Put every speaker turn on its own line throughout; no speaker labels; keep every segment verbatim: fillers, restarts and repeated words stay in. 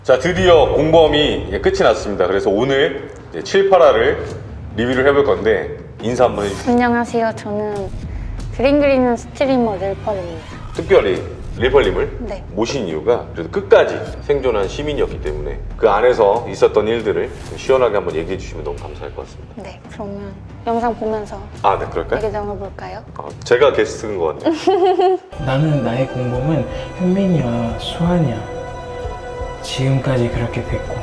자, 드디어 공범이 이제 끝이 났습니다. 그래서 오늘 이제 칠, 팔 화를 리뷰를 해볼 건데 인사 한번 해주세요.
안녕하세요. 저는 그림 그리는 스트리머 릴펄입니다.
특별히 릴펄님을
네.
모신 이유가 그래도 끝까지 생존한 시민이었기 때문에 그 안에서 있었던 일들을 좀 시원하게 한번 얘기해 주시면 너무 감사할 것 같습니다.
네, 그러면 영상 보면서
아, 네, 그럴까요?
얘기 나눠볼까요?
아, 제가 게스트인 것 같네요.
나는 나의 공범은 현민이와 수환이야. 지금까지 그렇게 됐고.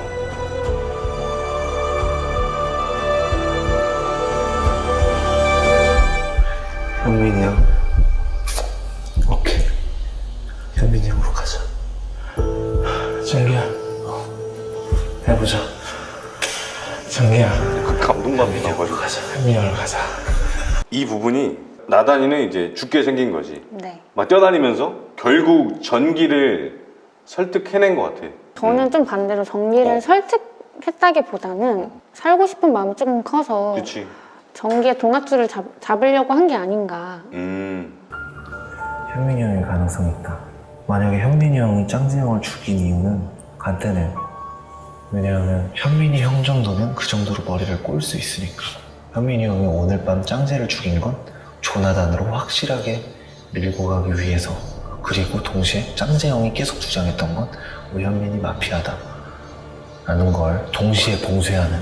현민이 형. 오케이. 현민이 형으로 가자.
정기야, 해보자. 정기야,
그 감동감이 나가지고
가자.
현민이 형으로 가자.
이 부분이 나단이는 이제 죽게 생긴 거지.
네.
막 뛰어다니면서 결국 전기를 설득해낸 것 같아.
저는 좀 반대로 전기를
어.
설득했다기보다는 살고 싶은 마음이 조금 커서
그치.
전기의 동아줄을 잡, 잡으려고 한 게 아닌가.
음.
현민이 형의 가능성이 있다. 만약에 현민이 형이 짱지 형을 죽인 이유는 간단해. 왜냐하면 현민이 형 정도면 그 정도로 머리를 꼴 수 있으니까. 현민이 형이 오늘 밤 짱제를 죽인 건 조나단으로 확실하게 밀고 가기 위해서. 그리고 동시에 짱제 형이 계속 주장했던 건 우리 현민이 마피아다 라는 걸 동시에 봉쇄하는.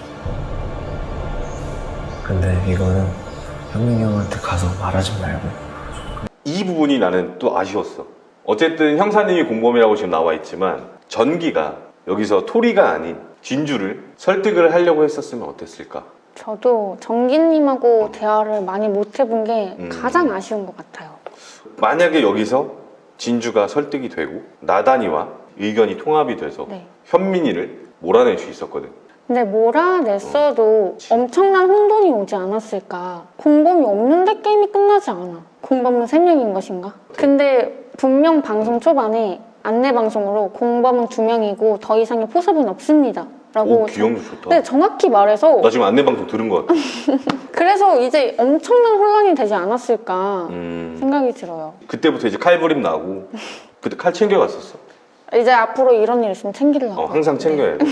근데 이거는 현민이 형한테 가서 말하지 말고.
이 부분이 나는 또 아쉬웠어. 어쨌든 형사님이 공범이라고 지금 나와 있지만 전기가 여기서 토리가 아닌 진주를 설득을 하려고 했었으면 어땠을까?
저도 정기님하고 대화를 많이 못 해본 게
음.
가장 아쉬운 것 같아요.
만약에 여기서 진주가 설득이 되고 나단이와 의견이 통합이 돼서
네.
현민이를 몰아낼 수 있었거든.
근데 몰아냈어도 엄청난 혼돈이 오지 않았을까. 공범이 없는데 게임이 끝나지 않아. 공범은 세 명인 것인가? 근데 분명 방송 초반에 안내 방송으로 공범은 두 명이고 더 이상의 포섭은 없습니다 라고
오, 기억력 좋다.
네, 정확히 말해서
나 지금 안내방송 들은 것 같아.
그래서 이제 엄청난 혼란이 되지 않았을까
음,
생각이 들어요.
그때부터 이제 칼부림 나고 그때 칼 챙겨갔었어.
이제 앞으로 이런 일 있으면 챙기려고.
어, 항상 챙겨야 돼.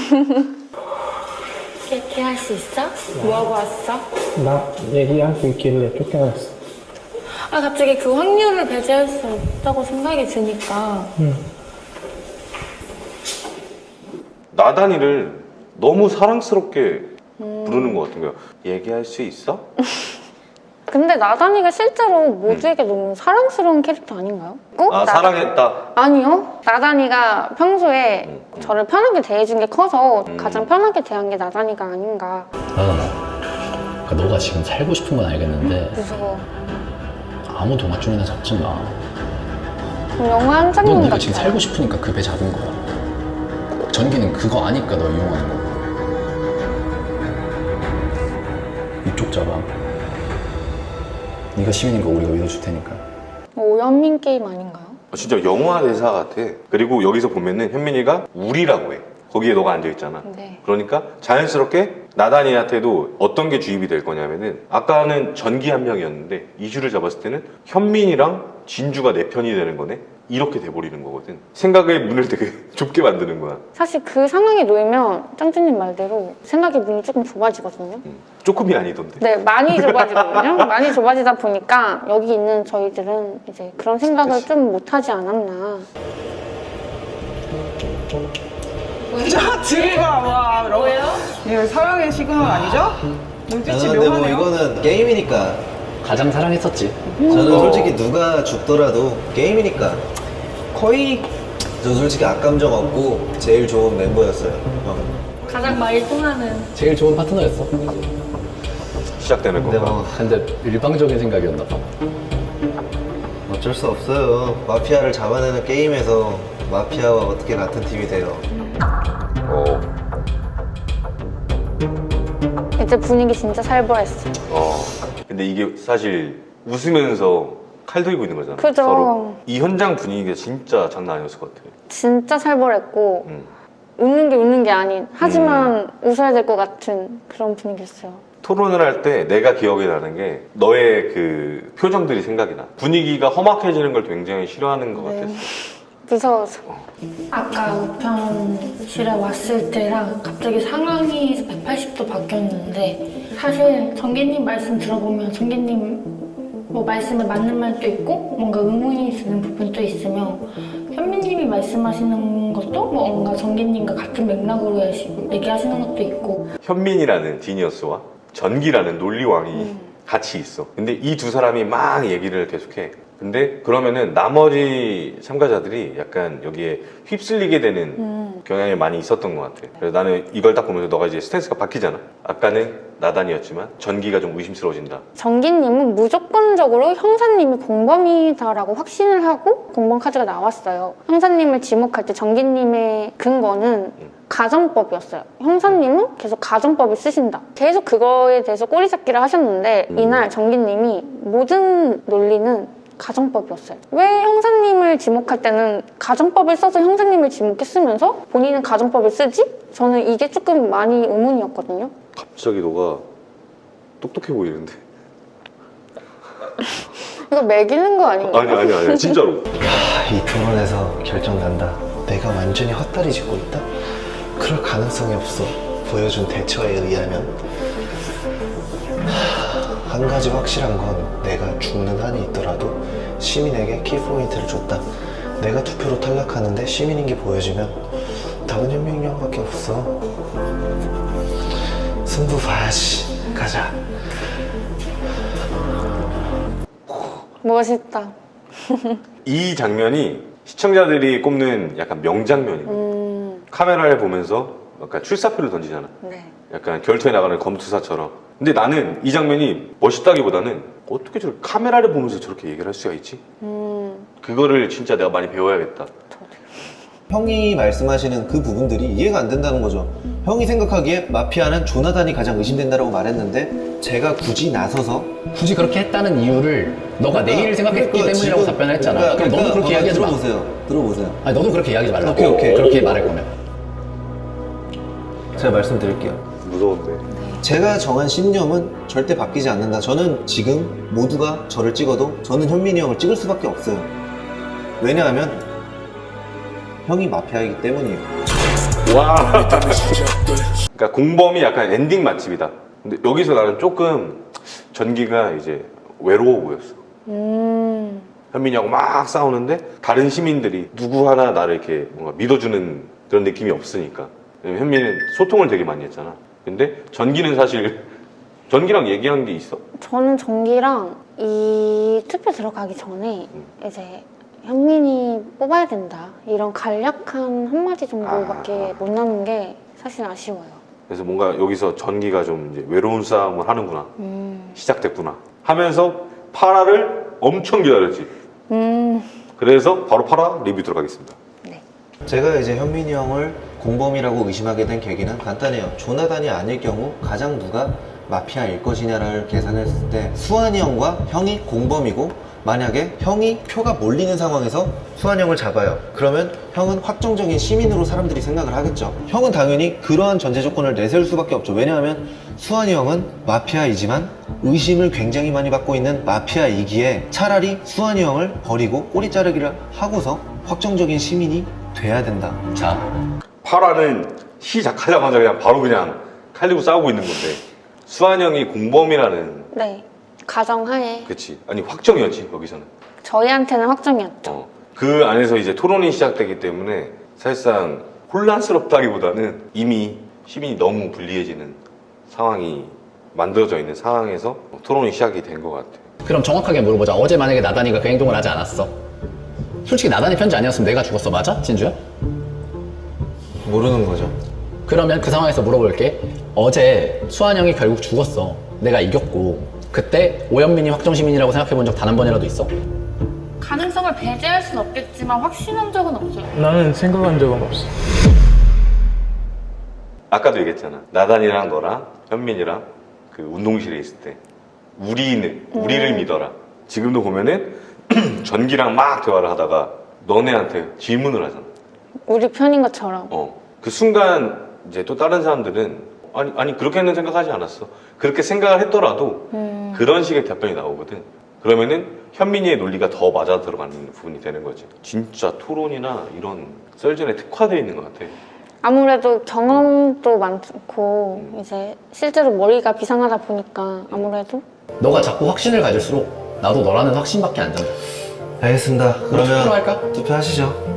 얘기할 수 있어? 뭐하고 왔어?
나 얘기할 수 있길래 쫓겨났어.
아 갑자기 그 확률을 배제할 수 없다고 생각이 드니까.
응.
나단이를 너무 사랑스럽게
음.
부르는 것 같은 거야. 얘기할 수 있어?
근데 나단이가 실제로 모두에게 너무 사랑스러운 캐릭터 아닌가요? 꼭
아,
나-
사랑했다.
아니요. 나단이가 평소에
음, 음.
저를 편하게 대해준 게 커서
음.
가장 편하게 대한 게 나단이가 아닌가.
나단아, 그러니까 너가 지금 살고 싶은 건 알겠는데
무서워.
아무 동아줄이나 잡지 마.
그럼 영화 한
넌
장면
네가
같아요.
지금 살고 싶으니까 그 배 잡은 거야. 전기는 그거 아니까 너 이용하는 거고. 이쪽 잡아. 네가 시민인 거 우리가 믿어줄 테니까.
오연민 게임 아닌가요?
아, 진짜 영화 대사 같아. 그리고 여기서 보면은 현민이가 우리라고 해. 거기에 너가 앉아있잖아.
네.
그러니까 자연스럽게 나단이한테도 어떤 게 주입이 될 거냐면은 아까는 전기 한 명이었는데 이슈를 잡았을 때는 현민이랑 진주가 내 편이 되는 거네. 이렇게 돼버리는 거거든. 생각의 문을 되게 좁게 만드는 거야.
사실 그 상황에 놓이면 짱쭈님 말대로 생각의 문이 조금 좁아지거든요.
음, 조금이 아니던데.
네, 많이 좁아지거든요. 많이 좁아지다 보니까 여기 있는 저희들은 이제 그런 생각을
그치.
좀 못하지 않았나.
자, 들이가 와. 뭐예요? 예, 사랑의 시그널 아니죠? 눈빛이
저는 근데 뭐
묘하네요.
이거는 게임이니까.
가장 사랑했었지.
저는 솔직히 누가 죽더라도 게임이니까.
거의
저 솔직히 악감정 없고 제일 좋은 멤버였어요. 형.
가장 많이 통하는.
제일 좋은 파트너였어.
시작되는
근데
건가?
뭐
근데 일방적인 생각이었나 봐.
어쩔 수 없어요. 마피아를 잡아내는 게임에서 마피아와 어떻게 같은 팀이 돼요.
어,
이제 분위기 진짜 살벌했어.
어. 근데 이게 사실 웃으면서 칼 들고 있는 거잖아.
그죠.
서로. 이 현장 분위기가 진짜 장난 아니었을 것 같아.
진짜 살벌했고
음.
웃는 게 웃는 게 아닌 하지만 웃어야 될 것 같은 그런 분위기였어요.
토론을 할 때 내가 기억이 나는 게 너의 그 표정들이 생각이 나. 분위기가 험악해지는 걸 굉장히 싫어하는 것
네.
같았어.
무서워서. 아까 우편실에 왔을 때랑 갑자기 상황이 백팔십 도 바뀌었는데 사실 정기님 말씀 들어보면 정기님 뭐 말씀에 맞는 말도 있고 뭔가 의문이 드는 부분도 있으며 현미님이 말씀하시는 것도 뭔가 정기님과 같은 맥락으로 얘기하시는 것도 있고
현민이라는 지니어스와 전기라는 논리왕이
음.
같이 있어. 근데 이 두 사람이 막 얘기를 계속해. 근데 그러면은 나머지 참가자들이 약간 여기에 휩쓸리게 되는
음.
경향이 많이 있었던 것 같아. 그래서 나는 이걸 딱 보면서 너가 이제 스탠스가 바뀌잖아. 아까는 나단이었지만 전기가 좀 의심스러워진다.
정기님은 무조건적으로 형사님이 공범이다라고 확신을 하고 공범 카드가 나왔어요. 형사님을 지목할 때 정기님의 근거는 가정법이었어요. 형사님은 계속 가정법을 쓰신다. 계속 그거에 대해서 꼬리잡기를 하셨는데
음.
이날 정기님이 모든 논리는 가정법이었어요. 왜 형사님을 지목할 때는 가정법을 써서 형사님을 지목했으면서 본인은 가정법을 쓰지? 저는 이게 조금 많이 의문이었거든요.
갑자기 너가 똑똑해 보이는데.
이거 매기는 거 아닌가?
아니 아니 아니 진짜로.
아, 이 토론에서 결정난다. 내가 완전히 헛다리 짚고 있다? 그럴 가능성이 없어. 보여준 대처에 의하면. 하, 한 가지 확실한 건 내가 죽는 한이 있더라도 시민에게 키포인트를 줬다. 내가 투표로 탈락하는데 시민인 게 보여지면 답은 현명이 형밖에 없어. 승부 봐야지. 가자.
멋있다.
이 장면이 시청자들이 꼽는 약간 명장면이에요.
음,
카메라를 보면서 약간 출사표를 던지잖아.
네.
약간 결투에 나가는 검투사처럼. 근데 나는 이 장면이 멋있다기보다는 어떻게 저렇게 카메라를 보면서 저렇게 얘기를 할 수가 있지?
음,
그거를 진짜 내가 많이 배워야겠다.
형이 말씀하시는 그 부분들이 이해가 안 된다는 거죠. 형이 생각하기에 마피아는 조나단이 가장 의심된다고 말했는데 제가 굳이 나서서
굳이 그렇게 했다는 이유를 너가 내일을 생각했기
그러니까
때문이라고
지금-
답변을 했잖아.
그러니까-
그럼 너도 그렇게
그러니까
이야기하지 마.
들어보세요. 들어보세요.
아니 너도 그렇게 이야기하지 말라고.
오케이, 오케이.
그렇게 말할 거면.
제가 말씀드릴게요.
무서운데.
제가 정한 신념은 절대 바뀌지 않는다. 저는 지금 모두가 저를 찍어도 저는 현민이 형을 찍을 수밖에 없어요. 왜냐하면 형이 마피아이기 때문이에요.
와. 그러니까 공범이 약간 엔딩 맛집이다. 근데 여기서 나는 조금 전기가 이제 외로워 보였어.
음,
현민이하고 막 싸우는데 다른 시민들이 누구 하나 나를 이렇게 뭔가 믿어주는 그런 느낌이 없으니까. 왜냐면 현민은 소통을 되게 많이 했잖아. 근데 전기는 사실 전기랑 얘기한 게 있어?
저는 정기랑 이 투표 들어가기 전에 이제 현민이 뽑아야 된다 이런 간략한 한마디 정도밖에 못 나눈 게 사실 아쉬워요.
그래서 뭔가 여기서 전기가 좀 이제 외로운 싸움을 하는구나.
음,
시작됐구나. 하면서 파라를 엄청 기다렸지.
음,
그래서 바로 파라 리뷰 들어가겠습니다.
네.
제가 이제 현민이 형을 공범이라고 의심하게 된 계기는 간단해요. 조나단이 아닐 경우 가장 누가 마피아일 것이냐를 계산했을 때 수환이 형과 형이 공범이고 만약에 형이 표가 몰리는 상황에서 수환이 형을 잡아요. 그러면 형은 확정적인 시민으로 사람들이 생각을 하겠죠. 형은 당연히 그러한 전제 조건을 내세울 수밖에 없죠. 왜냐하면 수환이 형은 마피아이지만 의심을 굉장히 많이 받고 있는 마피아이기에 차라리 수환이 형을 버리고 꼬리 자르기를 하고서 확정적인 시민이 돼야 된다.
자,
파라는 시작하자마자 그냥 바로 그냥 칼리고 싸우고 있는 건데 수환 형이 공범이라는
네. 가정하에
그치 아니 확정이었지 여기서는.
저희한테는 확정이었죠.
어. 그 안에서 이제 토론이 시작되기 때문에 사실상 혼란스럽다기보다는 이미 시민이 너무 불리해지는 상황이 만들어져 있는 상황에서 토론이 시작이 된 것 같아요.
그럼 정확하게 물어보자. 어제 만약에 나단이가 그 행동을 하지 않았어. 솔직히 나단이 편지 아니었으면 내가 죽었어. 맞아? 진주야?
모르는 거죠.
그러면 그 상황에서 물어볼게. 어제 수환 형이 결국 죽었어. 내가 이겼고. 그때 오현민이 확정시민이라고 생각해본 적 단 한 번이라도 있어?
가능성을 배제할 순 없겠지만 확신한 적은 없어요.
나는 생각한 적은 없어.
아까도 얘기했잖아. 나단이랑 너랑 현민이랑 그 운동실에 있을 때 우리는 우리를 믿어라. 지금도 보면은 전기랑 막 대화를 하다가 너네한테 질문을 하잖아.
우리 편인 것처럼.
어. 그 순간 이제 또 다른 사람들은 아니 아니 그렇게는 생각하지 않았어. 그렇게 생각을 했더라도
음,
그런 식의 답변이 나오거든. 그러면은 현민이의 논리가 더 맞아 들어가는 부분이 되는 거지. 진짜 토론이나 이런 썰전에 특화되어 있는 것 같아.
아무래도 경험도 많고 이제 실제로 머리가 비상하다 보니까 아무래도
너가 자꾸 확신을 가질수록 나도 너라는 확신밖에 안 잡아.
알겠습니다.
투표로
그러면
할까?
투표하시죠.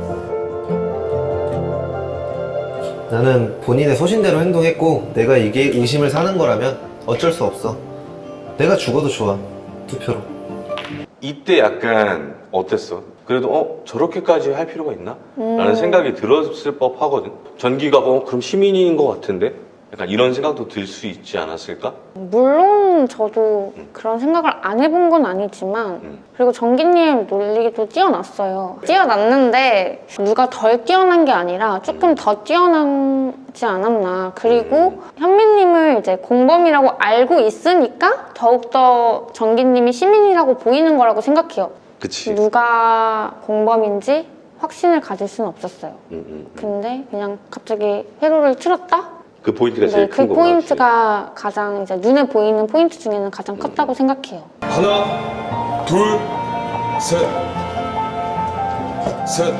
나는 본인의 소신대로 행동했고 내가 이게 의심을 사는 거라면 어쩔 수 없어. 내가 죽어도 좋아. 투표로.
이때 약간 어땠어? 그래도 어 저렇게까지 할 필요가 있나? 라는
음.
생각이 들었을 법 하거든. 전기가 어 그럼 시민인 것 같은데? 약간 이런 생각도 들 수 있지 않았을까?
물론 저도 그런 생각을 안 해본 건 아니지만
음.
그리고 정기님 논리도 뛰어났어요. 뛰어났는데 누가 덜 뛰어난 게 아니라 조금 더 뛰어나지 않았나. 그리고 현민님을 이제 공범이라고 알고 있으니까 더욱더 정기님이 시민이라고 보이는 거라고 생각해요.
그치.
누가 공범인지 확신을 가질 수는 없었어요.
음, 음, 음.
근데 그냥 갑자기 회로를 틀었다?
그 포인트가
네,
제일
그
큰 거구나.
포인트가 가장 이제 눈에 보이는 포인트 중에는 가장 컸다고 생각해요.
하나, 둘, 셋, 셋.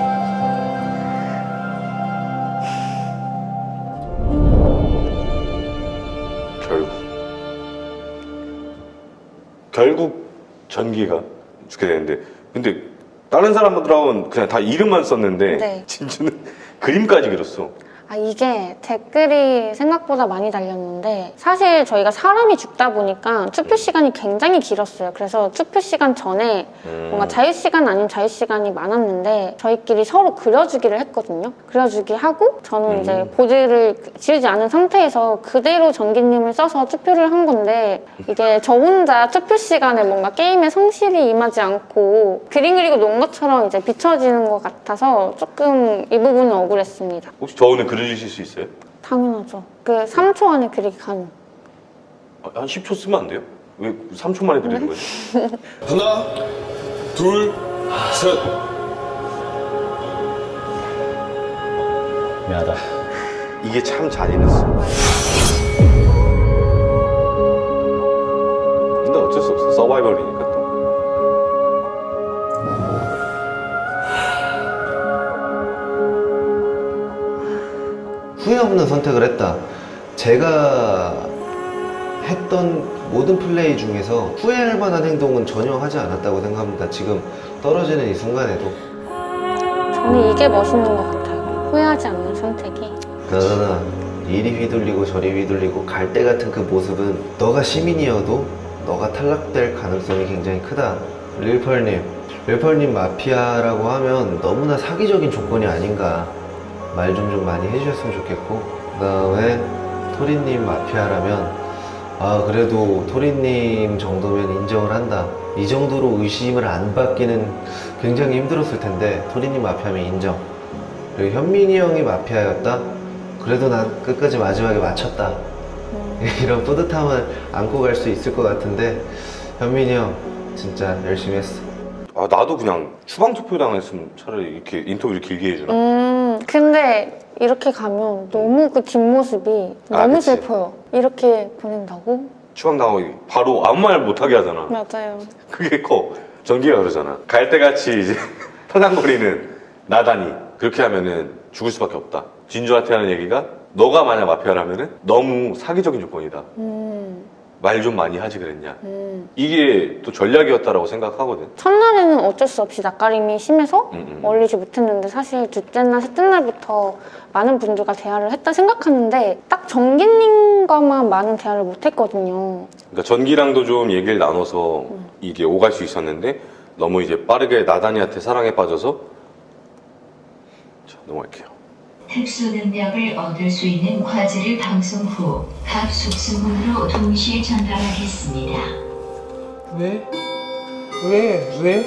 결국 결국 전기가 죽게 되는데 근데 다른 사람들하고는 그냥 다 이름만 썼는데
네.
진주는 그림까지 그렸어.
아, 이게 댓글이 생각보다 많이 달렸는데 사실 저희가 사람이 죽다 보니까 투표 시간이 굉장히 길었어요. 그래서 투표 시간 전에
음.
뭔가 자유시간 아닌 자유시간이 많았는데 저희끼리 서로 그려주기를 했거든요. 그려주기 하고 저는
음.
이제 보드를 지우지 않은 상태에서 그대로 전기님을 써서 투표를 한 건데 이게 저 혼자 투표 시간에 뭔가 게임에 성실히 임하지 않고 그림 그리고 논 것처럼 이제 비춰지는 것 같아서 조금 이 부분은 억울했습니다.
혹시 저 오늘 그려주실 수 있어요?
당연하죠. 그 삼 초 안에 그리기 가능.
아, 한 십 초 쓰면 안 돼요? 왜 삼 초 만에 그리는 거지?
하나, 둘, 셋.
미안하다.
이게 참 잔인했어. 근데 어쩔 수 없어. 서바이벌이니까 또.
후회 없는 선택을 했다. 제가 했던 모든 플레이 중에서 후회할 만한 행동은 전혀 하지 않았다고 생각합니다. 지금 떨어지는 이 순간에도.
저는 이게 멋있는 것 같아요. 후회하지 않는 선택이.
그러나 이리 휘둘리고 저리 휘둘리고 갈 때 같은 그 모습은 너가 시민이어도 너가 탈락될 가능성이 굉장히 크다. 릴펄님, 릴펄님 마피아라고 하면 너무나 사기적인 조건이 아닌가. 말 좀 좀 많이 해주셨으면 좋겠고, 그 다음에 토리님 마피아라면 아 그래도 토리님 정도면 인정을 한다. 이 정도로 의심을 안 받기는 굉장히 힘들었을 텐데 토리님 마피아면 인정. 그리고 현민이 형이 마피아였다? 그래도 난 끝까지 마지막에 맞췄다. 이런 뿌듯함을 안고 갈 수 있을 것 같은데 현민이 형 진짜 열심히 했어.
아 나도 그냥 추방 투표 당했으면 차라리 이렇게 인터뷰를 길게 해주나?
음, 근데 이렇게 가면 너무 그 뒷모습이
아,
너무
그치.
슬퍼요. 이렇게 보낸다고?
추방 당하고 바로 아무 말 못하게 하잖아.
맞아요.
그게 커. 전기가 그러잖아. 갈대같이 이제 타당거리는 나다니. 그렇게 하면은 죽을 수밖에 없다. 진주한테 하는 얘기가 너가 만약 마피아라면은 너무 사기적인 조건이다.
음,
말 좀 많이 하지 그랬냐.
음.
이게 또 전략이었다라고 생각하거든.
첫날에는 어쩔 수 없이 낯가림이 심해서
음, 음.
어울리지 못했는데 사실 둘째나 셋째 날부터 많은 분들과 대화를 했다 생각하는데 딱 정기님과만 많은 대화를 못했거든요.
그러니까 전기랑도 좀 얘기를 나눠서 이게 오갈 수 있었는데 너무 이제 빠르게 나단이한테 사랑에 빠져서 자, 넘어갈게요.
특수 능력을 얻을 수 있는 과제를 방송 후 각 숙소문으로 동시에 전달하겠습니다.
왜? 왜? 왜?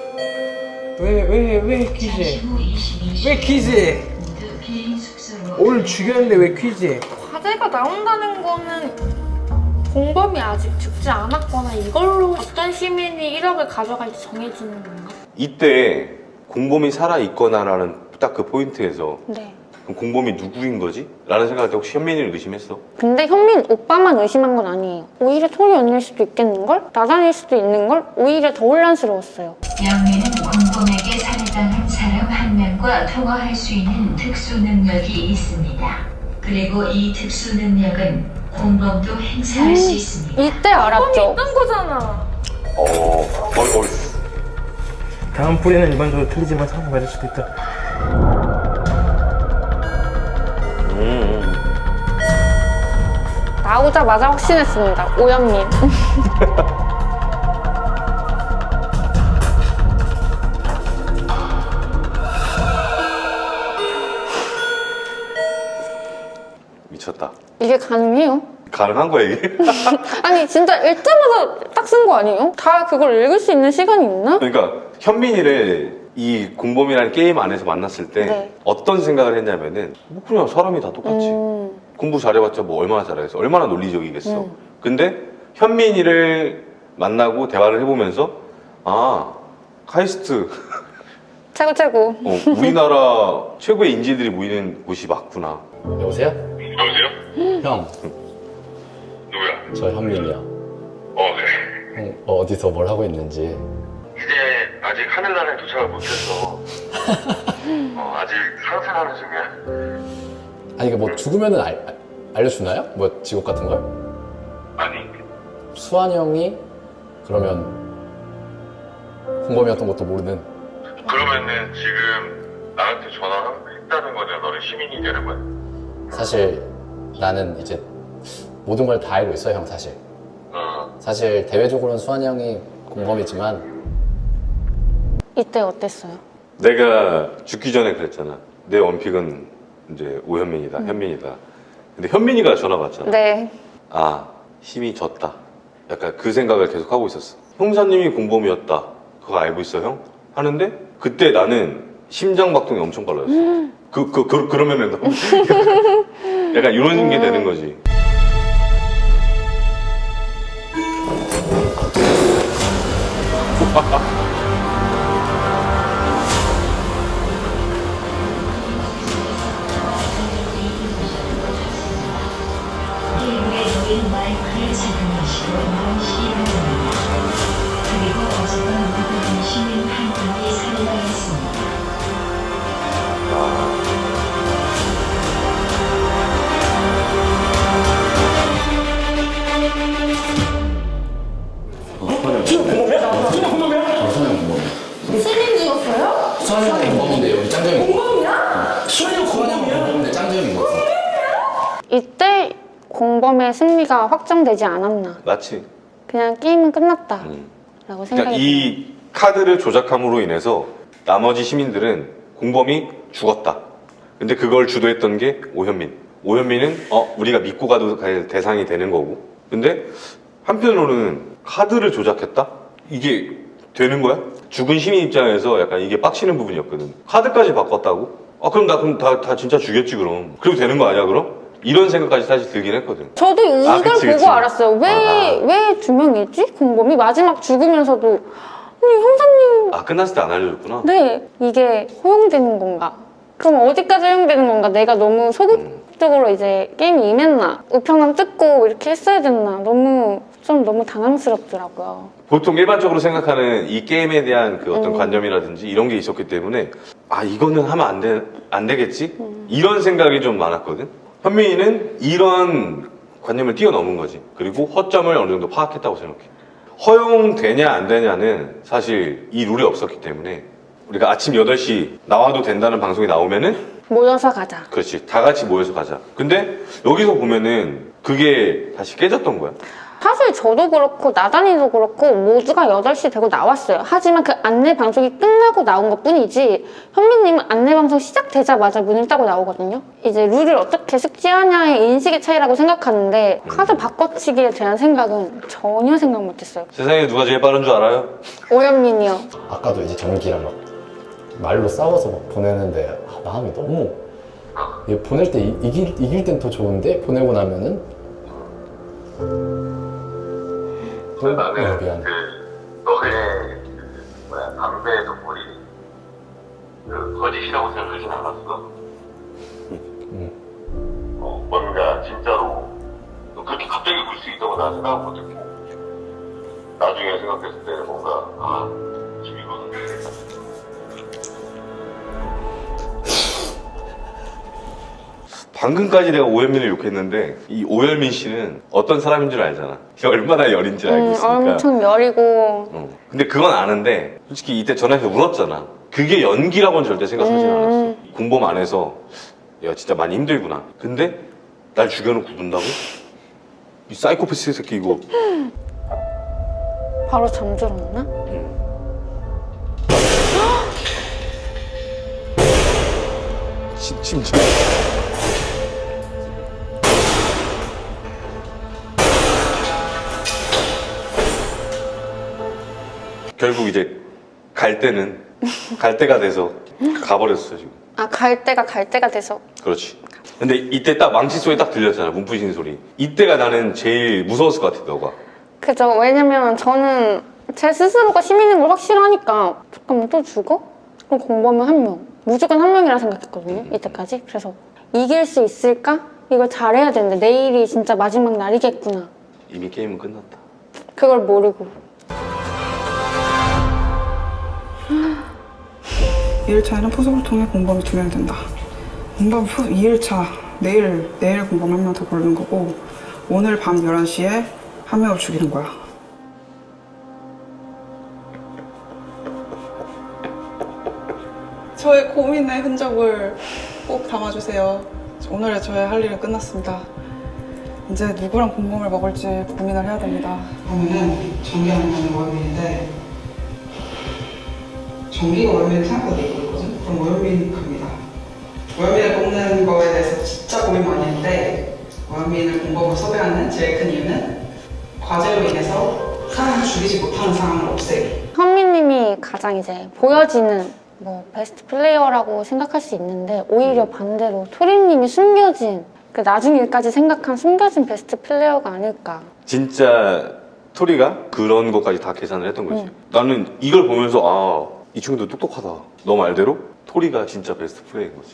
왜? 왜? 왜
잠시
퀴즈?
후 이십이 시
왜 퀴즈?
모두 개인 숙소로
오늘 죽였는데 왜 퀴즈?
과제가 나온다는 거는 공범이 아직 죽지 않았거나 이걸로 어떤 시민이 일억을 가져갈지 정해지는 건가?
이때 공범이 살아있거나라는 딱 그 포인트에서
네.
그럼 공범이 누구인 거지? 라는 생각할 때 혹시 현민이를 의심했어?
근데 현민 오빠만 의심한 건 아니에요. 오히려 토니 언니일 수도 있겠는걸? 나단일 수도 있는걸? 오히려 더 혼란스러웠어요.
영민은 공범에게 살해당한 사람 한 명과 통화할 수 있는 특수 능력이 있습니다. 그리고 이 특수 능력은 공범도 행사할 수 있습니다.
이때 알았죠.
있던 거잖아.
어, 어, 어.
다음 뿌리는 일반적으로 틀리지만 상황 맞을 수도 있다.
음.
나오자마자 확신했습니다. 오현민.
미쳤다.
이게 가능해요?
가능한 거야 이게?
아니 진짜 읽자마자 딱 쓴 거 아니에요? 다 그걸 읽을 수 있는 시간이 있나?
그러니까 현민이를 이 공범이라는 게임 안에서 만났을 때
네.
어떤 생각을 했냐면은 뭐 그냥 사람이 다 똑같지.
음,
공부 잘해봤자 뭐 얼마나 잘하겠어. 얼마나 논리적이겠어.
음.
근데 현민이를 만나고 대화를 해보면서 아 카이스트
최고 최고.
어, 우리나라 최고의 인재들이 모이는 곳이 맞구나.
여보세요?
여보세요?
형,
누구야?
저 현민이야.
어, 그래.
형 어, 어디서 뭘 하고 있는지.
이제 아직 하늘나라에 도착을 못했어. 어, 아직 상상하는 중이야.
아니 이게 뭐 죽으면은 알, 알- 알려주나요? 뭐 직업 같은 걸?
아니,
수환이 형이 그러면 공범이었던 것도 모르는.
그러면은 지금 나한테 전화했다는 거냐? 너는 시민이 되는 거야?
사실 나는 이제 모든 걸 다 알고 있어요, 형 사실.
어.
사실 대외적으로는 수환이 형이 공범이지만
이때 어땠어요?
내가 죽기 전에 그랬잖아. 내 원픽은 이제 오현민이다, 현민이다. 근데 현민이가 전화가 왔잖아.
네.
아, 힘이 졌다. 약간 그 생각을 계속 하고 있었어. 형사님이 공범이었다. 그거 알고 있어, 형? 하는데 그때 나는 심장 박동이 엄청 빨라졌어. 그, 그, 그, 그러면은 너무 약간 이런 게 되는 거지.
게임에 놓인 마이크를 착용하시고 시를 합니다. 그리고 어젯밤 모든 시민 한 분이 살해당했습니다.
시민 죽었어요?
수환이 형이 공범인데 여기 짱정이
공범이야?
수환이 형 공범인데 짱정이 먹었어.
이때 공범의 승리가 확정되지 않았나.
맞지?
그냥 게임은 끝났다.
음.
라고
그러니까
생각이 들어요.
이 카드를 조작함으로 인해서 나머지 시민들은 공범이 죽었다. 근데 그걸 주도했던 게 오현민. 오현민은 어 우리가 믿고 가도 갈 대상이 되는 거고. 근데 한편으로는 카드를 조작했다? 이게 되는 거야? 죽은 시민 입장에서 약간 이게 빡치는 부분이었거든. 카드까지 바꿨다고? 아 그럼 나 그럼 다, 다 진짜 죽였지 그럼. 그래도 되는 거 아니야 그럼? 이런 생각까지 사실 들긴 했거든.
저도 이걸
아, 그치,
보고
그치.
알았어요. 왜,
아, 아.
왜 두 명이지? 공범이 마지막 죽으면서도 아니 형사님
아 끝났을 때 안 알려줬구나.
네 이게 허용되는 건가? 그럼 어디까지 허용되는 건가? 내가 너무 소극적으로 이제 게임이 임했나? 우편함 뜯고 이렇게 했어야 됐나? 너무 좀 너무 당황스럽더라고요.
보통 일반적으로 생각하는 이 게임에 대한 그 어떤
음.
관념이라든지 이런 게 있었기 때문에 아 이거는 하면 안, 되, 안 되겠지?
음.
이런 생각이 좀 많았거든. 현민이는 이런 관념을 뛰어넘은 거지. 그리고 허점을 어느 정도 파악했다고 생각해. 허용되냐 안 되냐는 사실 이 룰이 없었기 때문에 우리가 아침 여덟 시 나와도 된다는 방송이 나오면은
모여서 가자.
그렇지 다 같이 모여서 가자. 근데 여기서 보면은 그게 다시 깨졌던 거야.
사실 저도 그렇고 나단이도 그렇고 모두가 여덟 시 되고 나왔어요. 하지만 그 안내 방송이 끝나고 나온 것 뿐이지 현민님은 안내 방송 시작되자마자 문을 따고 나오거든요. 이제 룰을 어떻게 숙지하냐의 인식의 차이라고 생각하는데 카드 바꿔치기에 대한 생각은 전혀 생각 못했어요.
세상에 누가 제일 빠른 줄 알아요?
오현민이요.
아까도 이제 전기랑 막 말로 싸워서 막 보내는데 아, 마음이 너무 이게 보낼 때 이, 이길, 이길 땐 더 좋은데 보내고 나면은
그래서 나는
어, 미안해.
그 너의 뭐야 담배 동물이 그 거짓이라고 생각하진 않았어. 난 진짜로 그렇게 갑자기 울 수 있다고 난 생각 못했고 나중에 생각했을 때 뭔가 아 지금 이거는
방금까지 내가 오현민을 욕했는데 이 오현민 씨는 어떤 사람인 줄 알잖아. 얼마나 열인 줄 알고
음,
있으니까.
엄청 여리고
어. 근데 그건 아는데 솔직히 이때 전화해서 울었잖아. 그게 연기라고는 절대 생각하지
음.
않았어. 공범 안에서 야 진짜 많이 힘들구나. 근데 날 죽여놓고 운다고? 이 사이코패스 새끼 이거.
바로 잠들었나?
심, 심지어 결국 이제 갈 때는 갈 때가 돼서 가버렸어 지금.
아, 갈 때가 갈 때가 돼서.
그렇지. 근데 이때 딱 망치 소리 딱 들렸잖아. 문부신 소리. 이때가 나는 제일 무서웠을 것 같아 너가.
그죠. 왜냐면 저는 제 스스로가 시민인 걸 확실하니까 잠깐만 또 죽어? 그럼 공범은 한 명. 무조건 한 명이라 생각했거든요. 이때까지. 그래서 이길 수 있을까? 이걸 잘해야 되는데 내일이 진짜 마지막 날이겠구나.
이미 게임은 끝났다.
그걸 모르고.
이 일차에는 포섭을 통해 공범이 두 명이 된다. 공범 이 일차 내일 내일 공범 한 명 더 고르는 거고 오늘 밤 열한 시에 한 명을 죽이는 거야. 저의 고민의 흔적을 꼭 담아주세요. 오늘의 저의 할 일은 끝났습니다. 이제 누구랑 공범을 먹을지 고민을 해야 됩니다. 그러면은 정기하는 거는 월요일인데 정기가 월요일 생각보다 있고 있거든? 그럼 월요일 갑니다. 월요일을 뽑는 거에 대해서 진짜 고민 많이 했는데 월요일을 공범으로 섭외하는 제일 큰 이유는 과제로 인해서 사람을 죽이지 못하는 상황을 없애기.
현미님이 가장 이제 보여지는 뭐 베스트 플레이어라고 생각할 수 있는데 오히려 반대로 토리님이 숨겨진 그 나중 일까지 생각한 숨겨진 베스트 플레이어가 아닐까.
진짜 토리가 그런 것까지 다 계산을 했던 거지.
응.
나는 이걸 보면서 아, 이 친구도 똑똑하다. 너 말대로 토리가 진짜 베스트 플레이인 거지.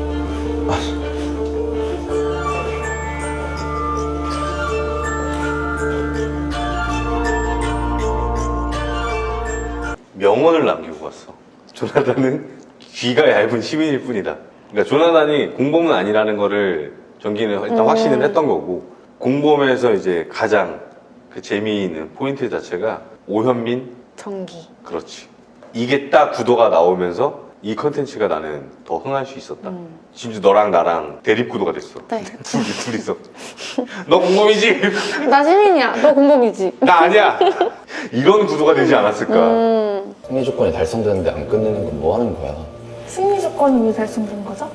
명언을 남기고 갔어. 조나단은 귀가 얇은 시민일 뿐이다. 그러니까 조나단이 공범은 아니라는 거를 전기는 일단
음.
확신을 했던 거고, 공범에서 이제 가장 그 재미있는 포인트 자체가 오현민.
정기.
그렇지. 이게 딱 구도가 나오면서 이 컨텐츠가 나는 더 흥할 수 있었다.
음.
심지어 너랑 나랑 대립 구도가 됐어.
네.
둘이, 둘이서. 너 공범이지?
나 시민이야. 너 공범이지.
나 아니야. 이런 구도가 되지 않았을까.
음.
승리 조건이 달성되는데 안 끝내는 건 뭐 하는 거야?
승리 조건이 왜 달성된 거죠?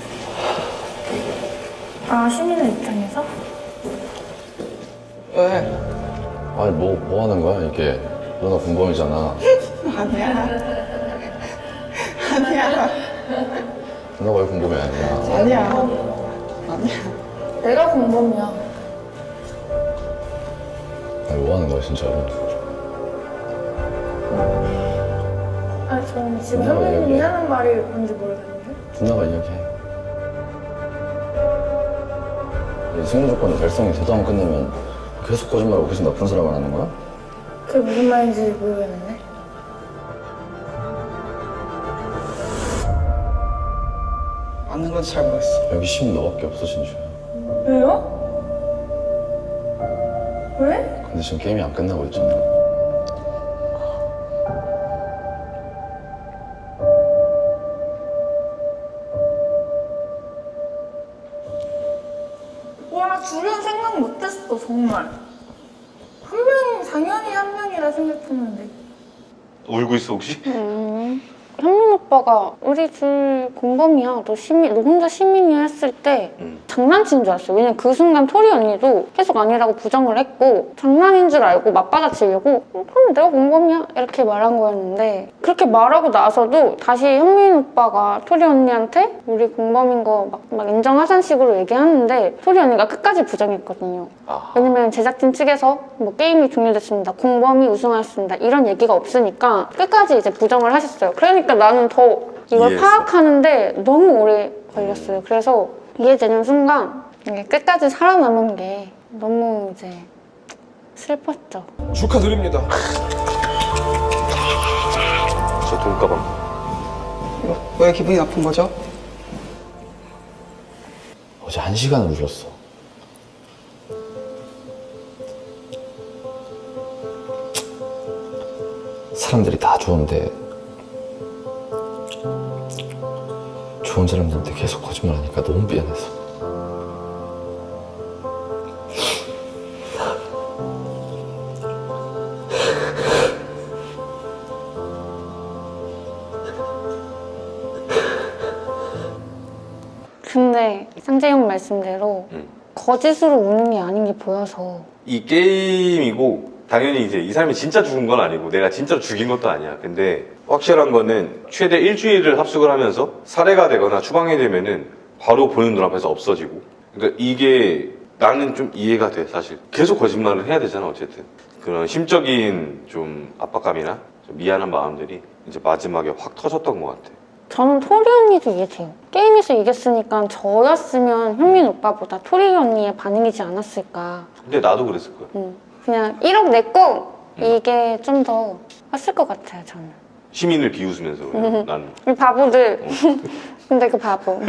아, 시민의 입장에서?
왜?
아니 뭐, 뭐 하는 거야 이게? 누나 공범이잖아.
아니야. 아니야.
누나가 왜 공범이 아니야?
아니야. 아니야.
내가 공범이야.
아니 뭐 하는 거야 진짜로?
아니, 저는 지금
누나가
선배님이
이야기해.
하는 말이 뭔지 모르겠는데?
누나가 이야기해. 이 승리 조건이 달성이 돼도 안 끝내면 계속 거짓말하고 계속 나쁜 사람을 하는 거야?
그게 무슨 말인지 모르겠는데?
맞는 건지 잘 모르겠어.
여기 시민 너밖에 없어 진주야.
왜요? 왜?
근데 지금 게임이 안 끝나고 있잖아.
와, 둘은 생각 못했어, 정말. 한 명이, 당연히 한 명이라 생각했는데.
울고 있어 혹시?
음. 현민 오빠가 우리 둘 공범이야. 너 시민, 너 혼자 시민이야 했을 때
음.
장난친 줄 알았어요. 왜냐면 그 순간 토리 언니도 계속 아니라고 부정을 했고 장난인 줄 알고 맞받아치려고 어, 그럼 내가 공범이야 이렇게 말한 거였는데 그렇게 말하고 나서도 다시 현민 오빠가 토리 언니한테 우리 공범인 거 막 막 인정하자는 식으로 얘기하는데 토리 언니가 끝까지 부정했거든요.
아.
왜냐면 제작진 측에서 뭐 게임이 종료됐습니다. 공범이 우승하였습니다. 이런 얘기가 없으니까 끝까지 이제 부정을 하셨어요. 그러니까 나는 더 이걸
이해했어.
파악하는데 너무 오래 걸렸어요. 그래서 이해되는 순간 이게 끝까지 살아남은 게 너무 이제 슬펐죠.
축하드립니다.
저 돈가방.
왜 기분이 나쁜 거죠?
어제 한 시간을 울었어. 사람들이 다 좋은데 좋은 사람들한테 계속 거짓말하니까 너무 미안해서.
근데 쌍재형 말씀대로
음.
거짓으로 우는 게 아닌 게 보여서
이 게임이고 당연히 이제 이 사람이 진짜 죽은 건 아니고 내가 진짜로 죽인 것도 아니야. 근데 확실한 거는 최대 일주일을 합숙을 하면서 살해가 되거나 추방이 되면은 바로 보는 눈앞에서 없어지고. 그러니까 이게 나는 좀 이해가 돼 사실. 계속 거짓말을 해야 되잖아 어쨌든. 그런 심적인 좀 압박감이나 좀 미안한 마음들이 이제 마지막에 확 터졌던 것 같아.
저는 토리 언니도 이해돼요. 게임에서 이겼으니까 저였으면 현민 오빠보다 토리 언니의 반응이지 않았을까.
근데 나도 그랬을 거야.
음, 그냥 일억 냈고 이게 좀 더 컸을 것 같아요 저는.
시민을 비웃으면서 그냥 나는.
이 바보들. 근데 그 바보.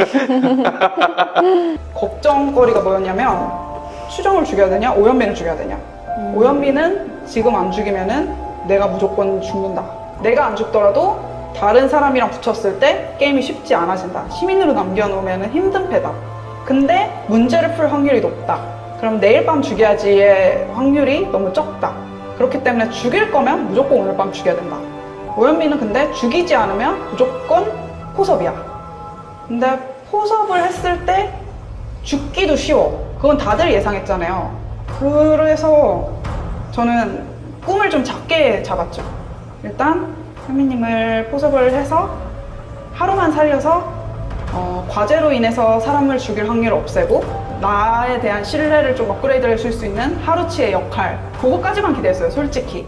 걱정거리가 뭐였냐면 추정을 죽여야 되냐 오현민을 죽여야 되냐. 오현민은 지금 안 죽이면은 내가 무조건 죽는다. 내가 안 죽더라도 다른 사람이랑 붙였을 때 게임이 쉽지 않아진다. 시민으로 남겨놓으면 힘든 패다. 근데 문제를 풀 확률이 높다. 그럼 내일 밤 죽여야지의 확률이 너무 적다. 그렇기 때문에 죽일 거면 무조건 오늘 밤 죽여야 된다. 오현민은 근데 죽이지 않으면 무조건 포섭이야. 근데 포섭을 했을 때 죽기도 쉬워. 그건 다들 예상했잖아요. 그래서 저는 꿈을 좀 작게 잡았죠. 일단 현미님을 포섭을 해서 하루만 살려서 어, 과제로 인해서 사람을 죽일 확률을 없애고 나에 대한 신뢰를 좀 업그레이드 해줄 수 있는 하루치의 역할, 그거까지만 기대했어요 솔직히.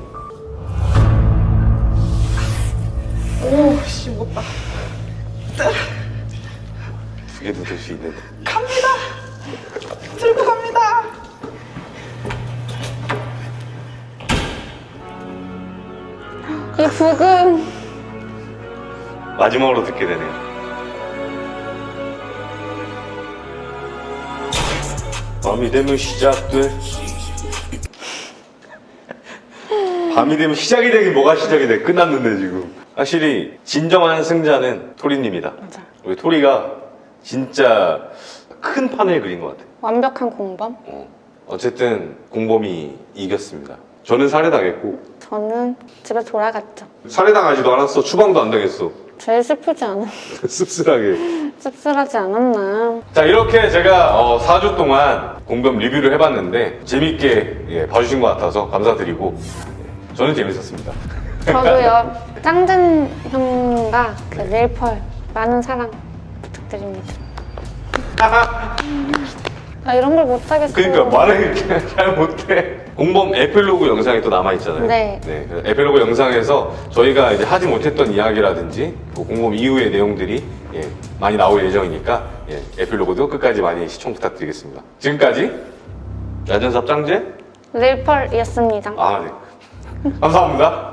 오씨 못다.
두 개도 될 수 있는데.
갑니다. 들고 갑니다.
이 부금.
마지막으로 듣게 되네요. 밤이 되면 시작돼. 밤이 되면 시작이 되긴 뭐가 시작이 돼. 끝났는데 지금. 확실히 진정한 승자는 토리님이다.
맞아.
우리 토리가 진짜 큰 판을 그린 것 같아.
완벽한 공범.
어. 어쨌든 공범이 이겼습니다. 저는 살해당했고
저는 집에 돌아갔죠.
살해당하지도 않았어. 추방도 안 당했어.
제일 슬프지 않아?
씁쓸하게.
씁쓸하지 않았나?
자, 이렇게 제가 어, 사 주 동안 공범 리뷰를 해봤는데 재밌게 예, 봐주신 것 같아서 감사드리고 예, 저는 재밌었습니다.
저도요. 짱진 형과 그 릴펄 많은 사랑 부탁드립니다. 나 이런 걸 못하겠어.
그러니까 말을 그냥 잘 못해. 공범 에필로그 영상이 또 남아있잖아요.
네.
네, 그래서 에필로그 영상에서 저희가 이제 하지 못했던 이야기라든지 뭐 공범 이후의 내용들이 예, 많이 나올 예정이니까 예, 에필로그도 끝까지 많이 시청 부탁드리겠습니다. 지금까지 야전삽 짱제
릴펄이었습니다.
아, 네. 감사합니다.